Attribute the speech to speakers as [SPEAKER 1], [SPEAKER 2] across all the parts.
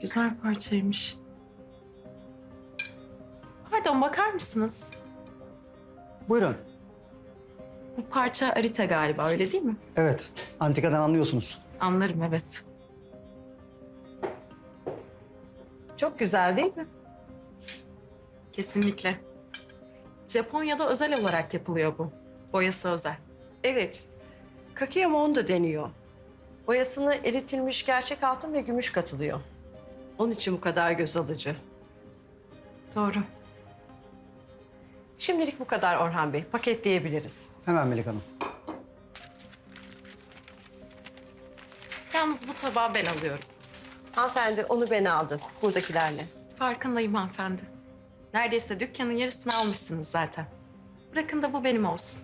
[SPEAKER 1] Güzel parçaymış. Pardon, bakar mısınız?
[SPEAKER 2] Buyurun.
[SPEAKER 1] Bu parça arita galiba, öyle değil mi?
[SPEAKER 2] Evet, antikadan anlıyorsunuz.
[SPEAKER 1] Anlarım, evet.
[SPEAKER 3] Çok güzel değil mi?
[SPEAKER 1] Kesinlikle. Japonya'da özel olarak yapılıyor bu. Boyası özel.
[SPEAKER 3] Evet. Kakeyamon da deniyor. Boyasına eritilmiş gerçek altın ve gümüş katılıyor. Onun için bu kadar göz alıcı.
[SPEAKER 1] Doğru.
[SPEAKER 3] Şimdilik bu kadar Orhan Bey. Paketleyebiliriz.
[SPEAKER 2] Hemen Melek Hanım.
[SPEAKER 1] Yalnız bu tabağı ben alıyorum.
[SPEAKER 3] Hanımefendi onu ben aldım buradakilerle.
[SPEAKER 1] Farkındayım hanımefendi. Neredeyse dükkanın yarısını almışsınız zaten. Bırakın da bu benim olsun.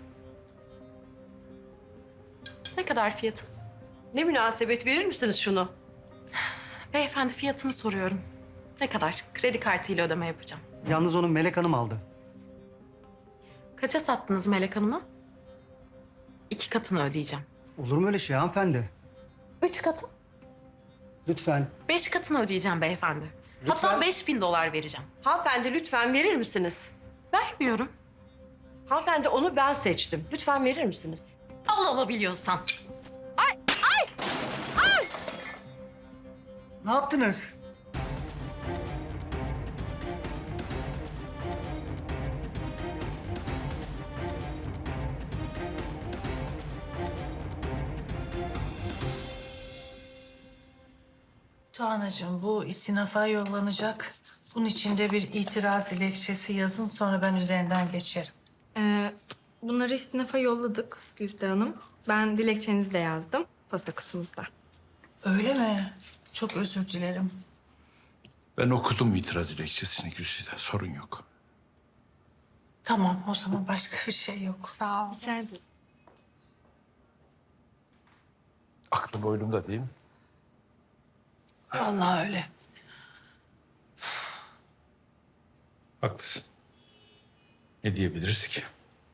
[SPEAKER 1] Ne kadar fiyatı?
[SPEAKER 3] Ne münasebet, verir misiniz şunu?
[SPEAKER 1] Beyefendi, fiyatını soruyorum. Ne kadar? Kredi kartıyla ödeme yapacağım.
[SPEAKER 2] Yalnız onu Melek Hanım aldı.
[SPEAKER 1] Kaça sattınız Melek Hanım'a? 2 katını ödeyeceğim.
[SPEAKER 2] Olur mu öyle şey hanımefendi?
[SPEAKER 1] 3 katı?
[SPEAKER 2] Lütfen.
[SPEAKER 1] 5 katını ödeyeceğim beyefendi.
[SPEAKER 2] Lütfen.
[SPEAKER 1] Hatta 5.000 dolar vereceğim.
[SPEAKER 3] Hanımefendi lütfen verir misiniz?
[SPEAKER 1] Vermiyorum.
[SPEAKER 3] Hanımefendi onu ben seçtim. Lütfen verir misiniz?
[SPEAKER 1] Alabiliyorsan.
[SPEAKER 2] Ne yaptınız?
[SPEAKER 4] Tuğanacığım, bu istinafa yollanacak. Bunun için de bir itiraz dilekçesi yazın, sonra ben üzerinden geçerim.
[SPEAKER 5] Bunları istinafa yolladık Güzde Hanım. Ben dilekçenizi de yazdım posta kutumuzda.
[SPEAKER 4] Öyle mi? Çok özür dilerim.
[SPEAKER 6] Ben okudum itiraz dilekçesini Güzide, sorun yok.
[SPEAKER 4] Tamam, o zaman başka bir şey yok. Sağ ol.
[SPEAKER 5] Rica ederim.
[SPEAKER 6] Aklım oyunumda değil mi?
[SPEAKER 4] Vallahi öyle.
[SPEAKER 6] Haklısın. Ne diyebiliriz ki?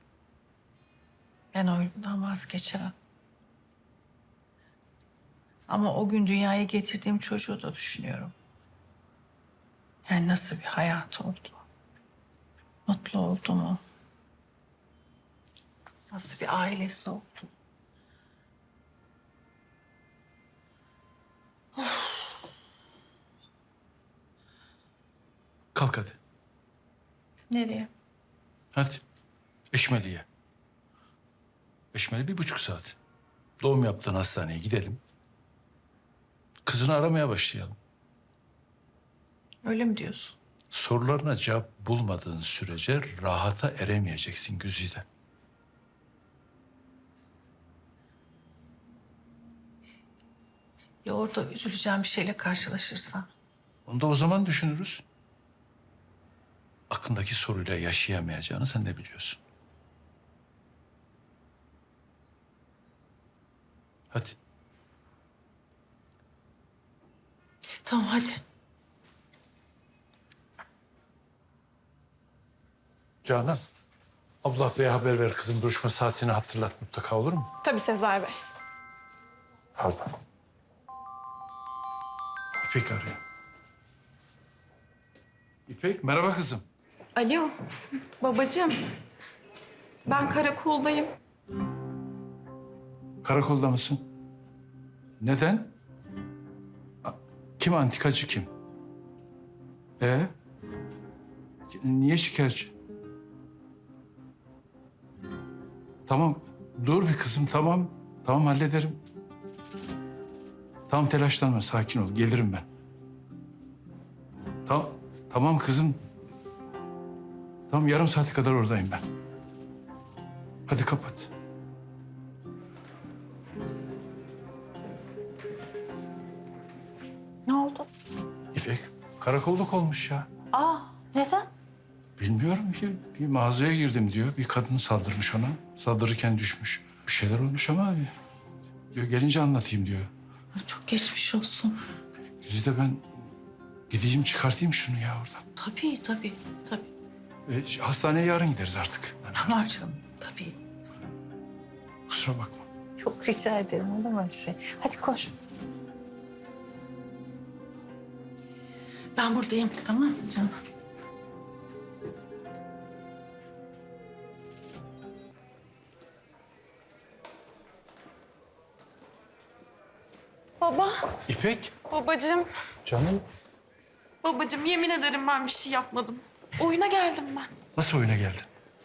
[SPEAKER 4] Ben oyundan vazgeçemem. Ama o gün dünyaya getirdiğim çocuğu da düşünüyorum. Yani nasıl bir hayat oldu? Mutlu oldu mu? Nasıl bir ailesi oldu?
[SPEAKER 6] Kalk hadi.
[SPEAKER 4] Nereye?
[SPEAKER 6] Hadi. Eşmeli'ye. Eşmeli 1,5 saat. Doğum yaptığın hastaneye gidelim. Kızını aramaya başlayalım.
[SPEAKER 4] Öyle mi diyorsun?
[SPEAKER 6] Sorularına cevap bulmadığın sürece rahata eremeyeceksin Güzide.
[SPEAKER 4] Ya orada üzüleceğim bir şeyle karşılaşırsan?
[SPEAKER 6] Onu da o zaman düşünürüz. Aklındaki soruyla yaşayamayacağını sen de biliyorsun. Hadi.
[SPEAKER 4] Tamam hadi.
[SPEAKER 6] Canan, Abdullah Bey'e haber ver kızım. Duruşma saatini hatırlat mutlaka, olur mu?
[SPEAKER 5] Tabii Sezai Bey.
[SPEAKER 6] Pardon. İpek arıyor. İpek, merhaba kızım.
[SPEAKER 1] Alo, babacığım. Ben karakoldayım.
[SPEAKER 6] Karakolda mısın? Neden? Kim antikacı kim? Niye şikayetçi? Tamam, dur bir kızım, tamam. Tamam, hallederim. Tamam, telaşlanma, sakin ol. Gelirim ben. Tamam, tamam kızım. Tamam, yarım saate kadar oradayım ben. Hadi kapat.
[SPEAKER 4] Ne oldu?
[SPEAKER 6] İpek, karakolluk olmuş ya.
[SPEAKER 4] Aa, neden?
[SPEAKER 6] Bilmiyorum ki. Bir mağazaya girdim diyor. Bir kadın saldırmış ona. Saldırırken düşmüş. Bir şeyler olmuş ama diyor, gelince anlatayım diyor.
[SPEAKER 4] Çok geçmiş olsun.
[SPEAKER 6] Güzide, ben gideyim çıkartayım şunu ya oradan.
[SPEAKER 4] Tabii, tabii, tabii.
[SPEAKER 6] Hastaneye yarın gideriz artık.
[SPEAKER 4] Tamam canım, tabii.
[SPEAKER 6] Kusura bakma.
[SPEAKER 4] Çok rica ederim, olur mu öyle şey? Hadi koş. Ben buradayım, tamam mı canım?
[SPEAKER 1] Baba,
[SPEAKER 6] İpek.
[SPEAKER 1] babacığım,
[SPEAKER 6] Canım.
[SPEAKER 1] babacığım yemin ederim ben bir şey yapmadım. Oyuna geldim ben.
[SPEAKER 6] Nasıl oyuna geldin?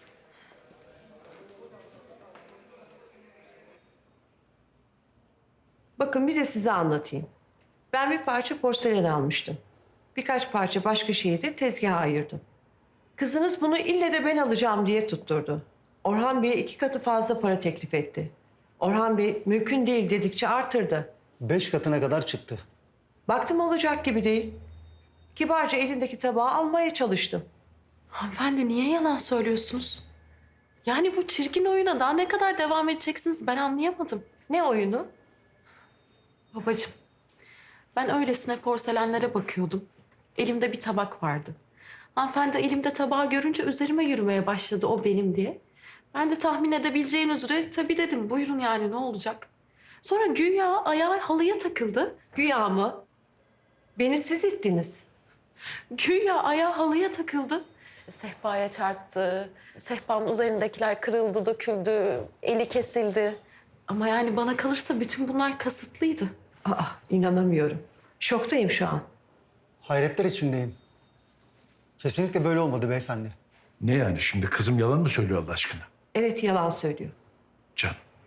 [SPEAKER 3] Bakın bir de size anlatayım. Ben bir parça porselen almıştım. Birkaç parça başka şeyi de tezgaha ayırdım. Kızınız bunu ille de ben alacağım diye tutturdu. Orhan Bey'e 2 katı fazla para teklif etti. Orhan Bey mümkün değil dedikçe artırdı.
[SPEAKER 2] 5 katına kadar çıktı.
[SPEAKER 3] Baktım olacak gibi değil. Kibarca elindeki tabağı almaya çalıştım.
[SPEAKER 1] Hanımefendi niye yalan söylüyorsunuz? Yani bu çirkin oyuna daha ne kadar devam edeceksiniz ben anlayamadım.
[SPEAKER 3] Ne oyunu?
[SPEAKER 1] Babacığım, ben öylesine porselenlere bakıyordum. Elimde bir tabak vardı. Hanımefendi elimde tabağı görünce üzerime yürümeye başladı o benim diye. Ben de tahmin edebileceğin üzere tabii dedim buyurun yani ne olacak. Sonra güya ayağı halıya takıldı.
[SPEAKER 3] Güya mı? Beni siz ittiniz.
[SPEAKER 1] Güya ayağı halıya takıldı. İşte sehpaya çarptı. Sehpanın üzerindekiler kırıldı, döküldü, eli kesildi. Ama yani bana kalırsa bütün bunlar kasıtlıydı.
[SPEAKER 3] Aa, inanamıyorum. Şoktayım şu an.
[SPEAKER 2] Hayretler içindeyim. Kesinlikle böyle olmadı beyefendi.
[SPEAKER 6] Ne yani şimdi kızım yalan mı söylüyor Allah aşkına?
[SPEAKER 3] Evet, yalan söylüyor.
[SPEAKER 6] Can.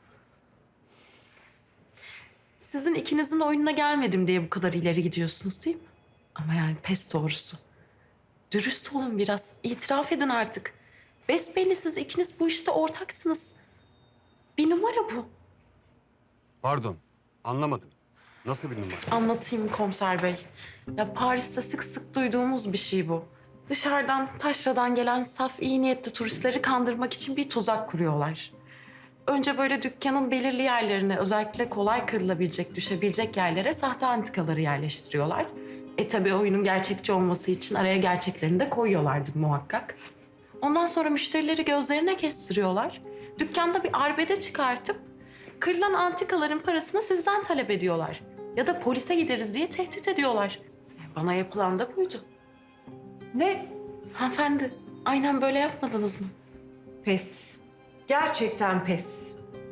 [SPEAKER 1] Sizin ikinizin oyununa gelmedim diye bu kadar ileri gidiyorsunuz değil mi? Ama yani pes doğrusu. Dürüst olun biraz. İtiraf edin artık. Besbelli siz ikiniz bu işte ortaksınız. Bir numara bu.
[SPEAKER 7] Pardon, anlamadım. Nasıl bir numara?
[SPEAKER 1] Anlatayım komiser bey. Ya Paris'te sık sık duyduğumuz bir şey bu. Dışarıdan, taşradan gelen saf iyi niyetli turistleri kandırmak için bir tuzak kuruyorlar. Önce böyle dükkanın belirli yerlerine, özellikle kolay kırılabilecek, düşebilecek yerlere sahte antikaları yerleştiriyorlar. Tabii oyunun gerçekçi olması için araya gerçeklerini de koyuyorlardır muhakkak. Ondan sonra müşterileri gözlerine kestiriyorlar. Dükkanda bir arbede çıkartıp kırılan antikaların parasını sizden talep ediyorlar. Ya da polise gideriz diye tehdit ediyorlar. Bana yapılan da buydu.
[SPEAKER 3] Ne?
[SPEAKER 1] Hanımefendi, aynen böyle yapmadınız mı?
[SPEAKER 3] Pes. Gerçekten pes.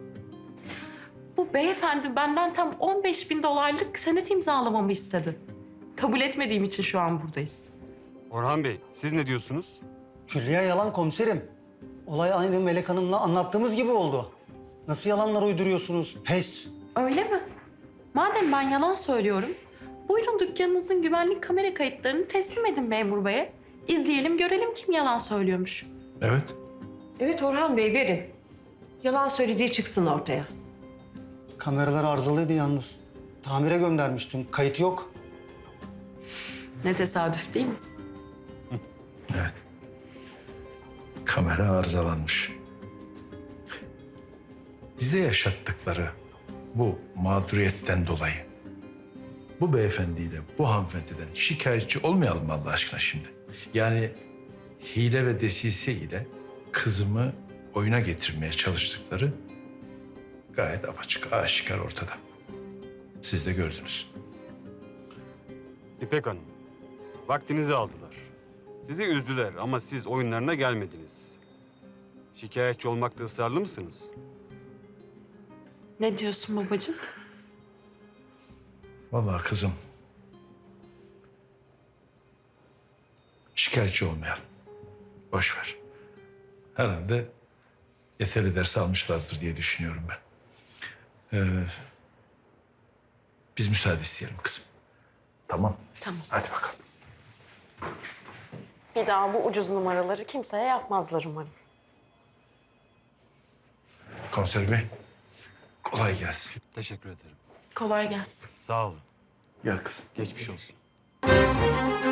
[SPEAKER 1] Bu beyefendi benden tam 15.000 dolarlık senet imzalamamı istedi. Kabul etmediğim için şu an buradayız.
[SPEAKER 7] Orhan Bey, siz ne diyorsunuz?
[SPEAKER 2] Külliyen yalan komiserim. Olay aynı Melek Hanım'la anlattığımız gibi oldu. Nasıl yalanlar uyduruyorsunuz? Pes.
[SPEAKER 1] Öyle mi? Madem ben yalan söylüyorum, buyurun dükkanınızın güvenlik kamera kayıtlarını teslim edin memur beye. İzleyelim, görelim kim yalan söylüyormuş.
[SPEAKER 6] Evet.
[SPEAKER 3] Evet Orhan Bey, verin. Yalan söylediği çıksın ortaya.
[SPEAKER 2] Kameralar arızalıydı yalnız. Tamire göndermiştim. Kayıt yok.
[SPEAKER 1] Ne tesadüf değil mi?
[SPEAKER 6] Evet. Kamera arızalanmış. Bize yaşattıkları bu mağduriyetten dolayı bu beyefendiyle bu hanımefendiden şikayetçi olmayalım mı Allah aşkına şimdi? Yani hile ve desise ile kızımı oyuna getirmeye çalıştıkları gayet apaçık, aşikar ortada. Siz de gördünüz.
[SPEAKER 7] İpek Hanım, vaktinizi aldılar. Sizi üzdüler ama siz oyunlarına gelmediniz. Şikayetçi olmakta ısrarlı mısınız?
[SPEAKER 1] Ne diyorsun babacığım?
[SPEAKER 6] Vallahi kızım, şikayetçi olmayalım. Boş ver. Herhalde yeterli ders almışlardır diye düşünüyorum ben. Biz müsaade isteyelim kızım. Tamam.
[SPEAKER 1] Tamam.
[SPEAKER 6] Hadi bakalım.
[SPEAKER 1] Bir daha bu ucuz numaraları kimseye yapmazlar umarım.
[SPEAKER 6] Komiser Bey, kolay gelsin.
[SPEAKER 7] Teşekkür ederim.
[SPEAKER 1] Kolay gelsin.
[SPEAKER 7] Sağ olun.
[SPEAKER 6] Gel kızım.
[SPEAKER 7] Geçmiş olsun.